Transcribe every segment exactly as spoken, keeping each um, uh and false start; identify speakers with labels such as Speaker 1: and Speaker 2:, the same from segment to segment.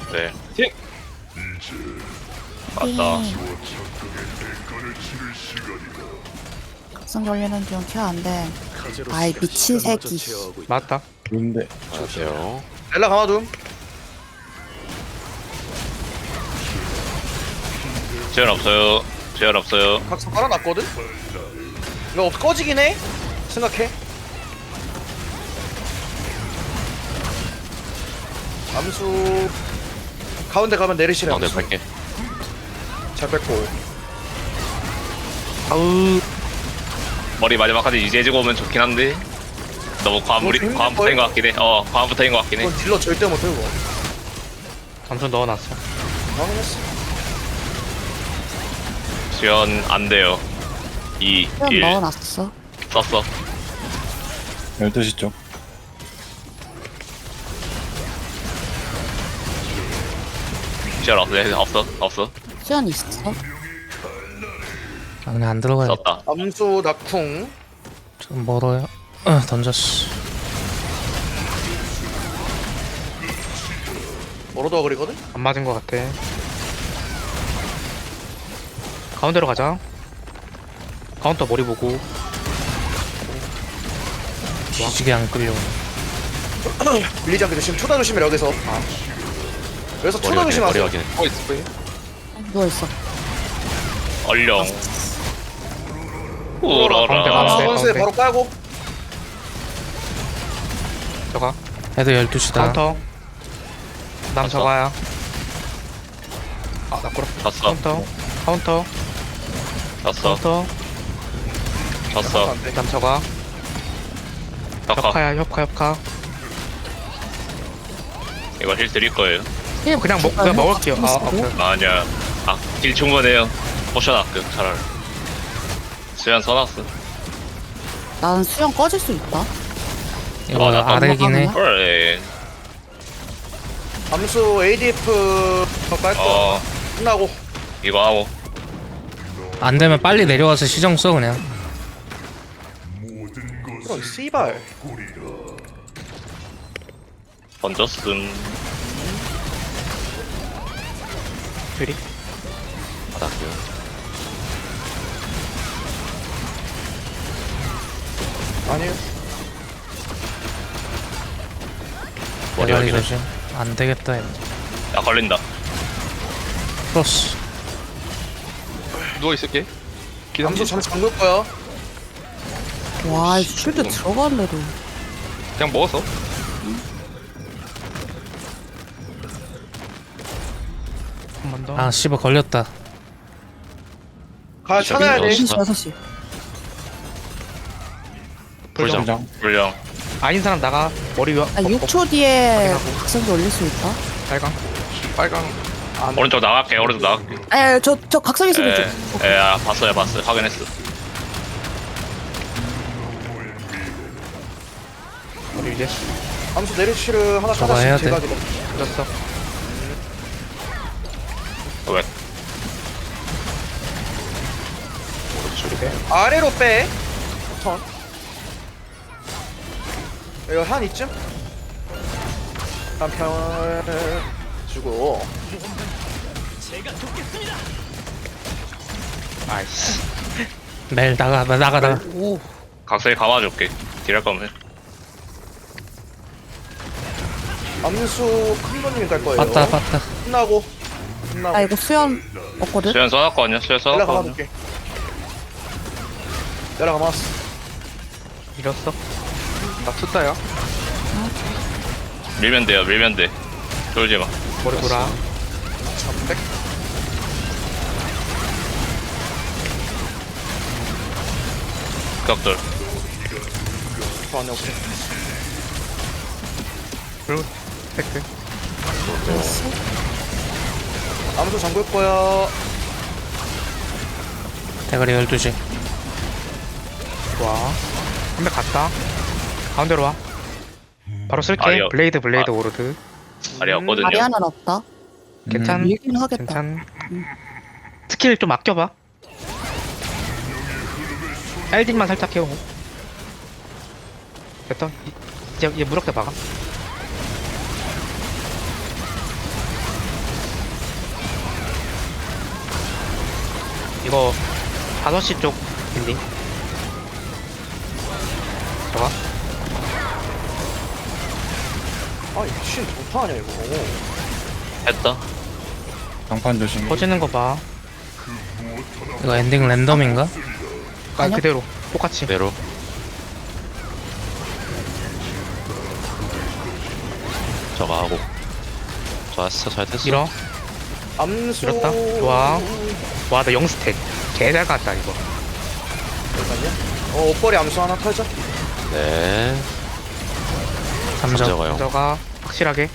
Speaker 1: 네.
Speaker 2: 팅!
Speaker 1: 맞다.
Speaker 3: 각성 걸리는 중 케어 안 돼. 아이 미친 새끼.
Speaker 2: 맞다.
Speaker 4: 좋은데.
Speaker 1: 안녕하세요.
Speaker 5: 엘라 가마둠.
Speaker 1: 제한 없어요. 제한 없어요.
Speaker 5: 각성 깔아놨거든? 이거 없- 꺼지긴 해? 생각해. 암수 가운데 가면 내리시네.
Speaker 1: 가운데
Speaker 5: 암수.
Speaker 1: 갈게.
Speaker 5: 잘 뺐고.
Speaker 2: 아우.
Speaker 1: 머리 마지막까지 유지해주고 오면 좋긴 한데 너무 과무리
Speaker 5: 뭐,
Speaker 1: 과무부터인 것 같긴 해. 어, 과무부터인 것 같긴 해.
Speaker 5: 이건 딜러 절대 못해 이거.
Speaker 2: 잠수 넣어놨어.
Speaker 5: 확인했어.
Speaker 1: 지연 안 돼요. 이,
Speaker 3: 수연
Speaker 1: 일
Speaker 3: 넣어놨어.
Speaker 1: 썼어.
Speaker 4: 열두 시 쪽.
Speaker 1: 지연 없어. 네, 없어. 없어.
Speaker 3: 수연 있어.
Speaker 6: 아, 그냥 안 들어가요.
Speaker 1: 썼다.
Speaker 5: 암수 낙쿵.
Speaker 6: 좀 멀어요. 어, 던졌어.
Speaker 5: 멀어도 그리거든?
Speaker 2: 안 맞은 것 같아. 가운데로 가자. 카운터 머리 보고.
Speaker 6: 뒤지게 안 끌려.
Speaker 5: 밀리지 않게 조심. 초다 조심해 여기서. 아. 여기서 초다
Speaker 1: 머리
Speaker 5: 조심하세요.
Speaker 1: 확인.
Speaker 2: 어 있을 거예요.
Speaker 3: 누워있어.
Speaker 1: 얼령.
Speaker 2: 가운데
Speaker 1: 우러라.
Speaker 2: 가운데.
Speaker 5: 선수에
Speaker 2: 가운데.
Speaker 5: 바로 깔고.
Speaker 2: 저가.
Speaker 6: 애들 열두 시다.
Speaker 2: 카운터. 남
Speaker 1: 봤어.
Speaker 2: 저가야. 아나 꼬라.
Speaker 1: 졌어.
Speaker 2: 카운터. 카운터.
Speaker 1: 졌어.
Speaker 2: 카운터.
Speaker 1: 졌어.
Speaker 5: 안 돼.
Speaker 2: 남 저가.
Speaker 1: 덕화.
Speaker 2: 협카야 협카 협카.
Speaker 1: 이거 힐 드릴 거예요.
Speaker 2: 그냥 먹 그냥 먹을게요. 아 오케이.
Speaker 1: 아니야. 아, 딜 충분해요. 포션 아껴 차라리. 지연 써놨어.
Speaker 3: 난 수연 꺼질 수 있다.
Speaker 6: 이거
Speaker 1: 어, 나
Speaker 6: 아래긴 해.
Speaker 1: 그래.
Speaker 5: 암수 에이디에프 깔고
Speaker 1: 어,
Speaker 5: 끝나고.
Speaker 1: 이거 하고.
Speaker 6: 안 되면 빨리 내려와서 시정 써 그냥.
Speaker 5: 이런 씨발.
Speaker 1: 던졌음.
Speaker 2: 둘이.
Speaker 1: 받았고요.
Speaker 5: 아니에요.
Speaker 1: 머리
Speaker 6: 대가리
Speaker 1: 확인해.
Speaker 6: 조심. 안 되겠다. 이거.
Speaker 1: 야, 걸린다.
Speaker 6: 크로스.
Speaker 2: 누워 있을게.
Speaker 5: 암수 잠시 잠글 거야.
Speaker 3: 와, 이 쉴드 들어갈래도.
Speaker 2: 그냥 먹었어. 한 번 더.
Speaker 6: 아 씨발 걸렸다.
Speaker 5: 가 찾아야 돼.
Speaker 1: 어,
Speaker 3: 여섯 시, 여섯 시.
Speaker 1: 불정.
Speaker 4: 불정.
Speaker 1: 불정.
Speaker 2: 아닌 사람 나가. 머리 위.
Speaker 3: 아, 육 초 뒤에
Speaker 2: 확인하고.
Speaker 3: 각성기 올릴 수 있다.
Speaker 2: 빨강. 빨강.
Speaker 1: 오른쪽 나갈게. 오른쪽 나갈게.
Speaker 3: 에, 저, 저 각성기 소리
Speaker 1: 에,
Speaker 3: 좀.
Speaker 1: 에, 아, 봤어요, 봤어요. 확인했어.
Speaker 2: 머리 위에.
Speaker 5: 암수 내리치를 하나
Speaker 6: 저거 해야
Speaker 5: 찾아씩
Speaker 6: 돼.
Speaker 5: 제각이다.
Speaker 2: 졌어.
Speaker 1: 어, 왜?
Speaker 5: 아래로 빼. 턴. 이거 한 이쯤? 한편 주고.
Speaker 2: 아이씨.
Speaker 6: 멜 나가 나- 나가 나가.
Speaker 2: 오.
Speaker 1: 각성에 감아줄게. 딜할 거면 해.
Speaker 5: 암수 큰 거님이 갈 거예요.
Speaker 6: 빠따 빠따.
Speaker 5: 끝나고. 끝나고.
Speaker 3: 아, 이거 수연 없거든?
Speaker 1: 수연 써놨거든요. 수연
Speaker 5: 연락
Speaker 1: 써놨거든요.
Speaker 5: 가볼게. 연락 가봤어.
Speaker 2: 이겼어. 나 투다야.
Speaker 1: 밀면 돼요. 밀면 돼. 돌지 마.
Speaker 2: 머리 돌아.
Speaker 5: 삼백.
Speaker 1: 극돌.
Speaker 5: 더 안에 오케이.
Speaker 2: 그리고 팩트.
Speaker 5: 암수 잠글 거야.
Speaker 6: 대가리 열두 시.
Speaker 2: 좋아. 한 명 갔다. 가운데로 와. 바로 쓸게.
Speaker 1: 아니요.
Speaker 2: 블레이드 블레이드
Speaker 1: 아.
Speaker 2: 오르드.
Speaker 1: 아리였거든요.
Speaker 3: 마리아는 없다.
Speaker 2: 괜찮.
Speaker 3: 밀긴 하겠다.
Speaker 2: 괜찮. 스킬 좀 아껴봐. 엘딩만 살짝 해오고. 됐다. 이- 이제 얘 무력대 막아. 이거 다섯 시 쪽 빌딩. 저가
Speaker 5: 아 미친 도파 아니야 이거.
Speaker 1: 했다.
Speaker 4: 장판 조심.
Speaker 2: 퍼지는 거 봐.
Speaker 6: 이거 엔딩 랜덤인가?
Speaker 2: 아
Speaker 3: 아니요.
Speaker 2: 그대로 똑같이.
Speaker 7: 그대로. 저거 하고. 좋았어, 잘 됐어.
Speaker 2: 밀어.
Speaker 5: 암수.
Speaker 2: 밀었다. 좋아. 와 나 영스택. 개잘 갔다 이거.
Speaker 5: 잠깐만요. 어 옷걸이 암수 하나 털자.
Speaker 7: 네.
Speaker 6: 삼 점.
Speaker 7: 저거요.
Speaker 2: 저가 확실하게.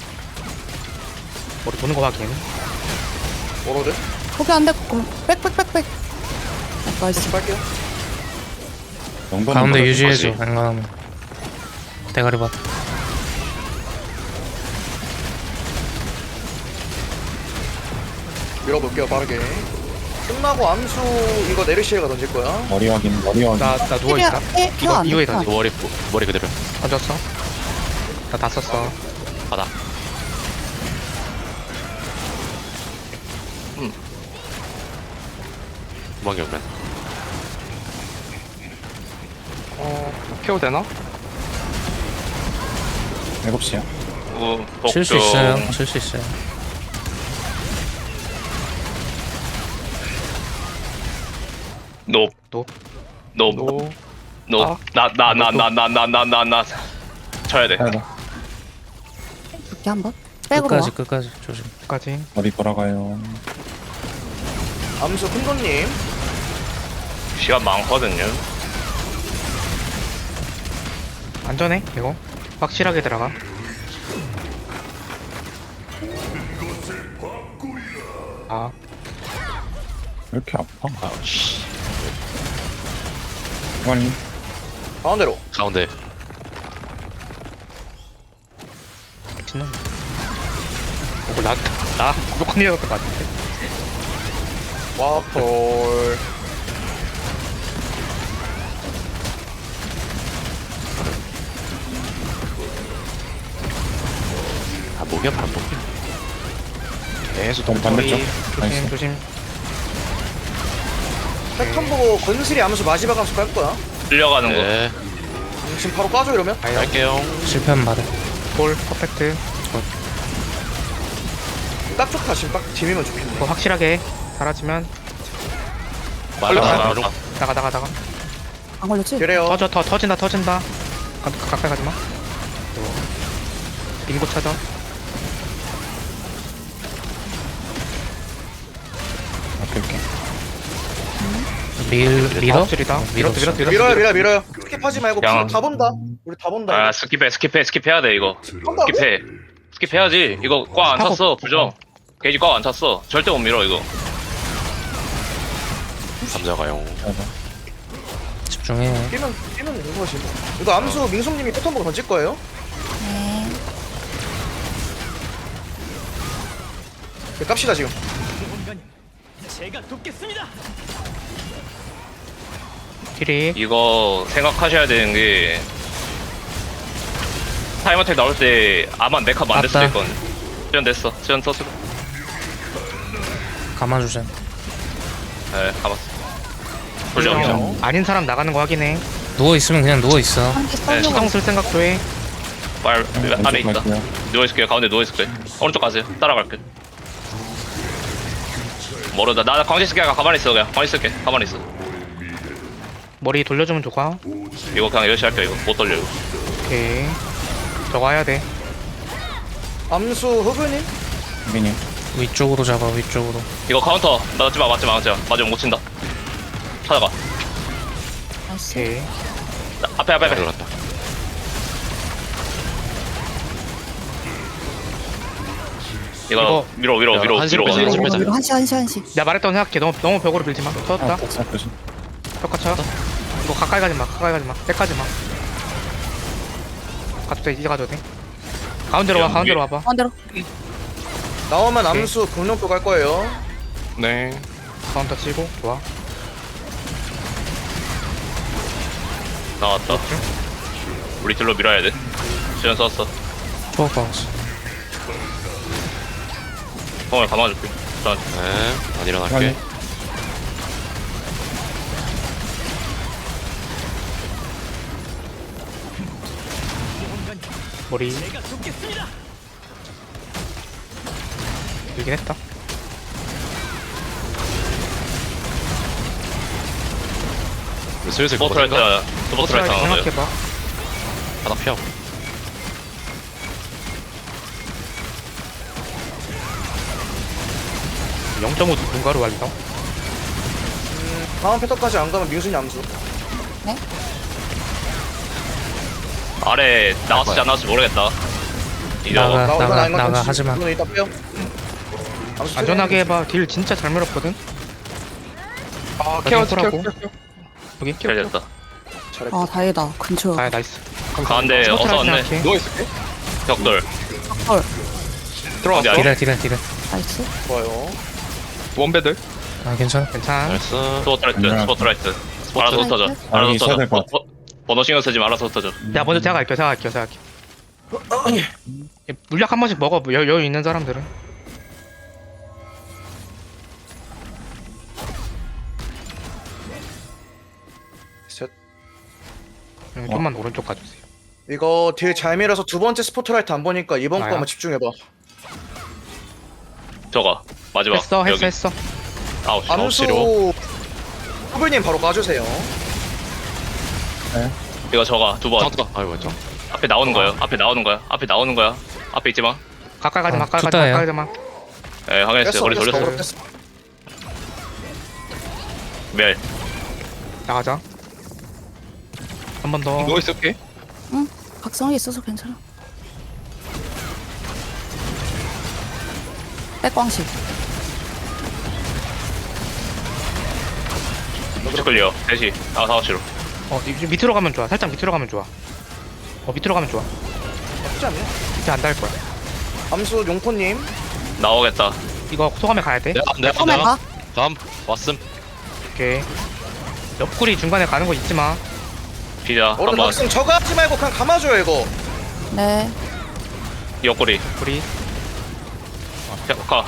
Speaker 2: 머리 도는 거 확인.
Speaker 5: 워로드.
Speaker 3: 포기 안 됐고 빽빽빽빽. 나이스.
Speaker 5: 다시 빨게요.
Speaker 4: 영번은
Speaker 6: 가운데
Speaker 4: 뭐라
Speaker 6: 유지해줘.
Speaker 7: 거지.
Speaker 6: 앵간하면. 대가리 봐.
Speaker 5: 밀어볼게요 빠르게. 끝나고 암수 이거 네르시에가 던질 거야.
Speaker 4: 머리 확인, 머리 확인.
Speaker 2: 나 나 누워 있다.
Speaker 3: 에,
Speaker 2: 이거
Speaker 3: 안
Speaker 2: 이거에
Speaker 3: 됐다.
Speaker 2: 던져.
Speaker 7: 머리, 머리 그대로.
Speaker 2: 던졌어. 나 다 썼어.
Speaker 7: 바닥.
Speaker 1: 음.
Speaker 7: 도망이 오면.
Speaker 2: 어 케어 되나?
Speaker 4: 일곱 시야.
Speaker 1: 우,
Speaker 6: 칠 수
Speaker 1: 복종.
Speaker 6: 있어요. 칠 수 있어요.
Speaker 1: 높.
Speaker 2: 높.
Speaker 1: 높.
Speaker 2: 노.
Speaker 1: 높.
Speaker 2: 아.
Speaker 1: 나, 나, 나, 나, 나, 나, 나, 나, 나. 쳐야 돼.
Speaker 4: 하나
Speaker 3: 이렇게 한번. 백으로
Speaker 6: 끝까지
Speaker 3: 와.
Speaker 6: 끝까지 조심.
Speaker 2: 까지.
Speaker 4: 머리 돌아가요.
Speaker 5: 암수 큰돈님.
Speaker 1: 시간 많거든요.
Speaker 2: 안전해 이거. 확실하게 들어가. 아
Speaker 4: 왜 이렇게 아파?
Speaker 7: 아, 씨.
Speaker 4: 빨리.
Speaker 5: 가운데로.
Speaker 7: 가운데.
Speaker 2: 미친놈. 어, 나, 나 무조건 이어졌던 것 같은데.
Speaker 5: 와폴.
Speaker 7: 아, 목이야, 반복이야.
Speaker 2: 계속
Speaker 4: 너무 반대쪽.
Speaker 2: 조심
Speaker 4: 나이스.
Speaker 2: 조심.
Speaker 5: 패턴 보고 건슬이 암수 마지막 암수 깔 거야.
Speaker 1: 끌려가는 거.
Speaker 7: 네.
Speaker 5: 음, 지금 바로 까줘 이러면.
Speaker 7: 갈게요.
Speaker 6: 실패하면 받아.
Speaker 2: 볼 퍼펙트.
Speaker 5: 딱 좋다 지금 딱 팀이면 좋겠네.
Speaker 2: 이거 확실하게 사라지면
Speaker 7: 맞아,
Speaker 1: 나가,
Speaker 7: 맞아.
Speaker 1: 나가.
Speaker 2: 나가 나가 나가.
Speaker 3: 안 걸렸지?
Speaker 5: 그래요.
Speaker 2: 터져 터 터진다 터진다. 가, 가, 가까이 가지 마. 빙고 찾아.
Speaker 4: 오케이, 오케이.
Speaker 6: 밀 밀어?
Speaker 2: 줄이다.
Speaker 6: 어,
Speaker 2: 밀어
Speaker 6: 밀었어.
Speaker 2: 밀어 밀어.
Speaker 5: 밀어요 밀어요 밀어요. 스킵하지 말고
Speaker 1: 양.
Speaker 5: 다 본다. 우리 다 본다.
Speaker 1: 아,
Speaker 5: 이거.
Speaker 1: 스킵해, 스킵해, 스킵해야 돼, 이거.
Speaker 5: 한다고?
Speaker 1: 스킵해. 스킵해야지. 이거 꽉 안
Speaker 2: 타고-
Speaker 1: 찼어, 부정. 게이지 꽉 안 찼어. 절대 못 밀어, 이거.
Speaker 7: 감자가요.
Speaker 4: 맞아.
Speaker 6: 집중해.
Speaker 5: 뛰면 뛰면 되는 거지. 뭐. 이거 암수 민솜님이 패턴 보고 던질 거예요.
Speaker 3: 네.
Speaker 5: 네, 깝시다 지금.
Speaker 2: 딜이
Speaker 1: 이거 생각하셔야 되는 게 타임어택 나올 때 아마 네카 만들 수도
Speaker 6: 맞다.
Speaker 1: 있거든. 수연 됐어. 수연 썼어.
Speaker 6: 가만 주세요.
Speaker 1: 네, 가봤어. 불정.
Speaker 2: 어, 아닌 사람 나가는 거 확인해.
Speaker 6: 누워 있으면 그냥 누워 있어.
Speaker 3: 한개
Speaker 1: 네,
Speaker 3: 썰려고.
Speaker 2: 시동 쓸 생각도 해.
Speaker 1: 말 안에
Speaker 4: 왼쪽
Speaker 1: 있다.
Speaker 4: 갈게요.
Speaker 1: 누워 있을게요. 가운데 누워 있을게. 오른쪽 가세요. 따라갈게. 모르다. 나 광시 쓸게. 가만히 있어. 그냥 가만히 있을게. 가만히 있어.
Speaker 2: 머리 돌려주면 좋아.
Speaker 1: 이거 그냥 열심히 할게요. 이거 못 돌려. 이거.
Speaker 2: 오케이. 저거 해야 돼.
Speaker 5: 암수 흑은님.
Speaker 4: 민이.
Speaker 6: 위쪽으로 잡아 위쪽으로.
Speaker 1: 이거 카운터 맞지 마. 맞지 마. 맞지 마. 맞으면 못 친다. 찾아가.
Speaker 3: 나이스.
Speaker 2: 오케이.
Speaker 1: 나, 앞에 앞에 앞에.
Speaker 7: 들어갔다.
Speaker 1: 이거
Speaker 2: 이거-
Speaker 1: 밀어 밀어
Speaker 7: 야,
Speaker 1: 밀어
Speaker 7: 한시
Speaker 1: 밀어.
Speaker 7: 빼자, 한시
Speaker 1: 밀어.
Speaker 7: 빼자.
Speaker 3: 위로 한시 한시 한시.
Speaker 2: 내가 말했던 생각해. 너무 너무 벽으로 밀지 마. 터졌다.
Speaker 4: 아, 복사 조심.
Speaker 2: 똑같아. 이거 가까이 가지 마. 가까이 가지 마. 백하지 마. 가도 돼. 이제 가도 돼. 가운데로 와.
Speaker 1: 야,
Speaker 2: 가운데로
Speaker 1: 위에-
Speaker 2: 와봐.
Speaker 3: 반대로.
Speaker 5: 나오면 암수 금룡표 갈 거예요.
Speaker 7: 네.
Speaker 2: 카운터 치고 좋아.
Speaker 1: 나왔다. 우리 딜로 밀어야 돼. 시간 썼어.
Speaker 6: 초록 박았어.
Speaker 1: 공을 감아줄게. 자,
Speaker 7: 네. 안 일어날게.
Speaker 4: 확인.
Speaker 2: 머리. 들긴 했다.
Speaker 7: 슬슬
Speaker 1: 스포트라이트
Speaker 7: 거든가?
Speaker 1: 스포트라이트 하나 더요.
Speaker 2: 생각해봐.
Speaker 7: 하나 피하고.
Speaker 2: 영 점 오 누군가로 완성.
Speaker 5: 다음 패턴까지 안 가면 민순이 암수.
Speaker 1: 아래 나왔을지 안 나왔을지 모르겠다. 이거
Speaker 6: 나가.
Speaker 5: 나 오늘 아닌 것
Speaker 6: 나가,
Speaker 5: 같아.
Speaker 6: 하지 마.
Speaker 5: 이건 이따 빼요. 암수
Speaker 2: 안전하게 해봐. 딜 진짜 잘 밀었거든.
Speaker 7: 아,
Speaker 2: 케어, 케어, 케어, 여기
Speaker 1: 잘 됐다.
Speaker 5: 잘했다.
Speaker 3: 아 다행이다. 근처.
Speaker 2: 아 나이스.
Speaker 1: 가운데 어서 왔네.
Speaker 2: 생각해.
Speaker 7: 누워있을게.
Speaker 1: 벽돌.
Speaker 3: 헐.
Speaker 7: 들어왔어.
Speaker 1: 어디
Speaker 6: 딜해 딜해 딜해.
Speaker 3: 나이스.
Speaker 5: 좋아요.
Speaker 7: 원배들.
Speaker 6: 아 괜찮아.
Speaker 2: 괜찮아.
Speaker 7: 나이스.
Speaker 1: 스포트라이트
Speaker 4: 안녕.
Speaker 1: 스포트라이트. 알아서 흩어져.
Speaker 4: 아,
Speaker 1: 알아서
Speaker 4: 여기 있어야
Speaker 1: 흩어져.
Speaker 4: 될것
Speaker 1: 버- 버- 번호 신경 쓰지 말아서 흩어져.
Speaker 2: 야 먼저 제가 갈게요. 제가 갈게요. 제가 갈게요. 예, 물약 한 번씩 먹어. 여, 여유 있는 사람들은.
Speaker 5: 셋.
Speaker 2: 음, 좀만 오른쪽 가주세요.
Speaker 5: 이거 딜 잘 밀어서 두 번째 스포트라이트 안 보니까 이번
Speaker 2: 나야?
Speaker 5: 거 한번 집중해봐.
Speaker 1: 저거 마지막.
Speaker 2: 했어 했어
Speaker 1: 여기.
Speaker 2: 했어.
Speaker 1: 아홉 시.
Speaker 5: 암수
Speaker 7: 시로.
Speaker 5: 후불님 바로 까주세요.
Speaker 1: 이거 저거 두 번.
Speaker 7: 잠깐. 아이고 왼쪽.
Speaker 1: 앞에 나오는 거예요. 앞에 나오는 거야. 앞에 나오는 거야. 앞에 있지 마.
Speaker 2: 가까이 가지 마.
Speaker 6: 아,
Speaker 2: 가까이 가지 마.
Speaker 6: 좋다예요.
Speaker 2: 가까이 가지 마.
Speaker 1: 예, 확인했어요.
Speaker 5: 뺐어
Speaker 1: 머리
Speaker 5: 뺐어
Speaker 1: 돌렸어요.
Speaker 5: 뺐어.
Speaker 1: 멜.
Speaker 2: 나가자. 한 번 더.
Speaker 7: 누워있을게.
Speaker 3: 각성이 있어서 괜찮아. 백광식.
Speaker 1: 클리어. 셋이. 아, 사업 시로.
Speaker 2: 어 이- 밑으로 가면 좋아. 살짝 밑으로 가면 좋아. 어 밑으로 가면 좋아.
Speaker 5: 나쁘지 않네.
Speaker 2: 밑에 안 닿을 거야.
Speaker 5: 암수 용포님.
Speaker 1: 나오겠다.
Speaker 2: 이거 소감에 가야 돼.
Speaker 7: 내가 내가
Speaker 3: 처음에
Speaker 7: 내가.
Speaker 3: 가.
Speaker 7: 다음 왔음.
Speaker 2: 오케이. 옆구리 중간에 가는 거 잊지 마.
Speaker 1: 피자.
Speaker 5: 얼른
Speaker 1: 한번.
Speaker 5: 학생 저거 하지 말고 그냥 감아줘요 이거.
Speaker 3: 네.
Speaker 1: 옆구리.
Speaker 2: 우리
Speaker 1: 자, 가.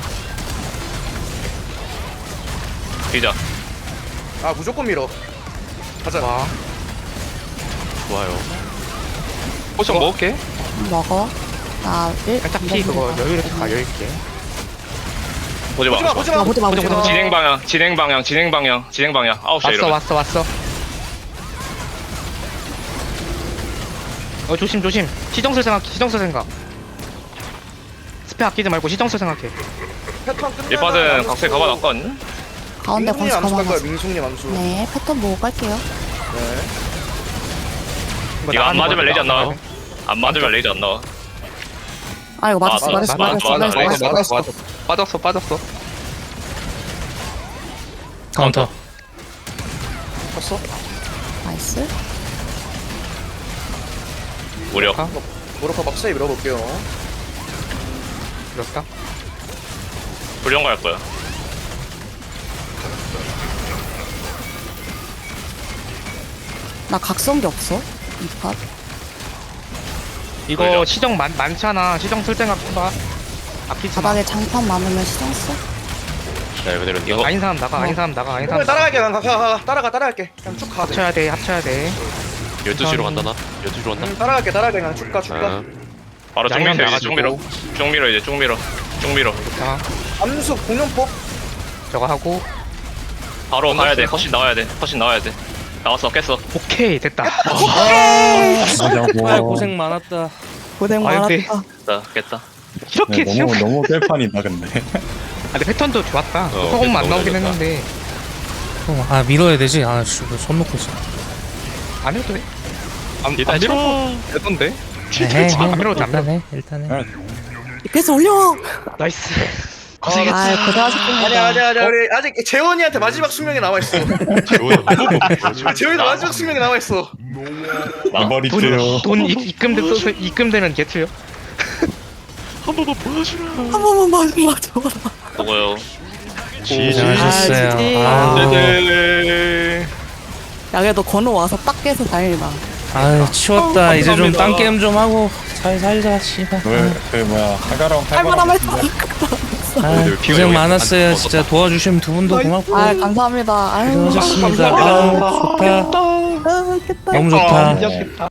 Speaker 1: 피자.
Speaker 5: 아 무조건 밀어. 가자.
Speaker 2: 와.
Speaker 7: 좋아요. 포션 먹을게.
Speaker 3: 먹어. 나 일.
Speaker 2: 살짝 피 그거 여유 있게 가 여유 있게.
Speaker 1: 보지 마.
Speaker 5: 보지마 보지마.
Speaker 3: 아, 보지 마, 보지 마.
Speaker 1: 진행 방향, 진행 방향, 진행 방향, 진행 방향. 아홉 시
Speaker 2: 왔어
Speaker 1: 이러면.
Speaker 2: 왔어 왔어. 어 조심 조심. 시정술 생각 시정술 생각. 스페 아끼지 말고 시정술 생각해.
Speaker 5: 패턴 끝나.
Speaker 1: 일바는 각색 가봐 놨거든.
Speaker 3: 가운데
Speaker 5: 민숙님
Speaker 3: 광식
Speaker 5: 암수 갈 거야
Speaker 3: 가만.
Speaker 5: 민숙님 암수.
Speaker 3: 네. 패턴 보고 갈게요.
Speaker 5: 네.
Speaker 1: 이거 안
Speaker 2: 나가는
Speaker 1: 맞으면
Speaker 2: 거야,
Speaker 1: 레이저 안 나와.
Speaker 2: 나가는 거야.
Speaker 1: 안 맞으면 레이저 안 나와.
Speaker 3: 아 이거 맞았어.
Speaker 1: 맞아,
Speaker 3: 맞았어.
Speaker 1: 맞아,
Speaker 3: 맞았어.
Speaker 1: 맞아,
Speaker 3: 맞았어.
Speaker 1: 맞아.
Speaker 5: 맞았어.
Speaker 7: 빠졌어 빠졌어.
Speaker 6: 카운터.
Speaker 5: 쳤어?
Speaker 3: 나이스.
Speaker 1: 무력.
Speaker 2: 가.
Speaker 5: 모로카 박사에 밀어볼게요.
Speaker 2: 그렇다.
Speaker 1: 불령 갈 거야.
Speaker 3: 나 각성기 없어. 이 팟.
Speaker 2: 이거
Speaker 1: 그래요?
Speaker 2: 시정 많, 많잖아. 시정 쓸 생각 해봐. 아끼지 마.
Speaker 3: 바닥에 장판 많으면 시정 써.
Speaker 7: 네 그대로.
Speaker 1: 이거
Speaker 2: 아닌 사람 나가. 아닌 사람 나가. 아닌
Speaker 5: 그러면
Speaker 2: 사람 나가.
Speaker 5: 따라갈게. 그냥 가, 가, 가. 따라가 따라갈게. 그냥 쭉 가.
Speaker 2: 합쳐야 돼. 합쳐야 돼.
Speaker 7: 열두 시로 간다 나. 열두 시로 간다.
Speaker 5: 응, 따라갈게 따라갈게 그냥 쭉 가 쭉 가.
Speaker 7: 아,
Speaker 1: 바로 쭉
Speaker 2: 양념
Speaker 1: 밀어 이제
Speaker 2: 나가지고.
Speaker 1: 쭉 밀어. 쭉 밀어 이제 쭉 밀어. 쭉 밀어.
Speaker 2: 자,
Speaker 5: 암수 공룡법.
Speaker 2: 저거 하고.
Speaker 1: 바로 가야 돼. 컷신 나와야 돼. 컷신 나와야 돼. 나왔어. 깼어.
Speaker 2: 오케이 됐다.
Speaker 4: 하자고.
Speaker 6: 아 고생 많았다.
Speaker 3: 고생
Speaker 2: 아, 근데-
Speaker 3: 많았다.
Speaker 1: 깼다. 깼다.
Speaker 2: 이렇게
Speaker 4: 네,
Speaker 2: 지금.
Speaker 4: 너무 너무 깰판이다 근데.
Speaker 2: 아 근데 패턴도 좋았다.
Speaker 7: 어,
Speaker 2: 소금만
Speaker 7: 패턴
Speaker 2: 안 나오긴
Speaker 7: 너무
Speaker 2: 했는데
Speaker 6: 어, 아 밀어야 되지. 아씨 손 놓고 있어.
Speaker 2: 안 해도 돼.
Speaker 7: 안
Speaker 2: 일단
Speaker 7: 안 밀어. 되던데.
Speaker 6: 해, 해.
Speaker 2: 안 밀어도
Speaker 6: 일단 해. 일단 해.
Speaker 3: 이패스 올려.
Speaker 2: 나이스.
Speaker 3: 아 고생하셨습니다.
Speaker 5: 아니야 아니야 아니야 우리 아직 재원이한테 마지막 숙명이 남아 있어. 재원이도 마지막 숙명이 남아 있어.
Speaker 4: 버리세요.
Speaker 2: 돈, 돈 입- 입금돼 써서 입금되는 게트요.
Speaker 3: 한 번만 마지막 줘라.
Speaker 1: 보고요.
Speaker 6: 잘하셨어요.
Speaker 3: 지지.
Speaker 6: 아,
Speaker 7: 네네.
Speaker 3: 야 그래도 건우 와서 딱 깨서 다행이다.
Speaker 6: 아유 치웠다. 이제 좀
Speaker 7: 감사합니다.
Speaker 6: 딴 게임 좀 하고 잘 살자. 씨발.
Speaker 4: 그, 그 뭐야 하가랑
Speaker 3: 할만하면
Speaker 4: 할만한.
Speaker 6: 아,
Speaker 7: 피가
Speaker 6: 고생
Speaker 7: 여기
Speaker 6: 많았어요.
Speaker 7: 안
Speaker 6: 진짜 도와주신 두 분도 고맙고
Speaker 3: 아 감사합니다. 아유
Speaker 6: 고생하셨습니다. 아, 좋다.
Speaker 3: 아, 겠다.
Speaker 6: 너무 좋다.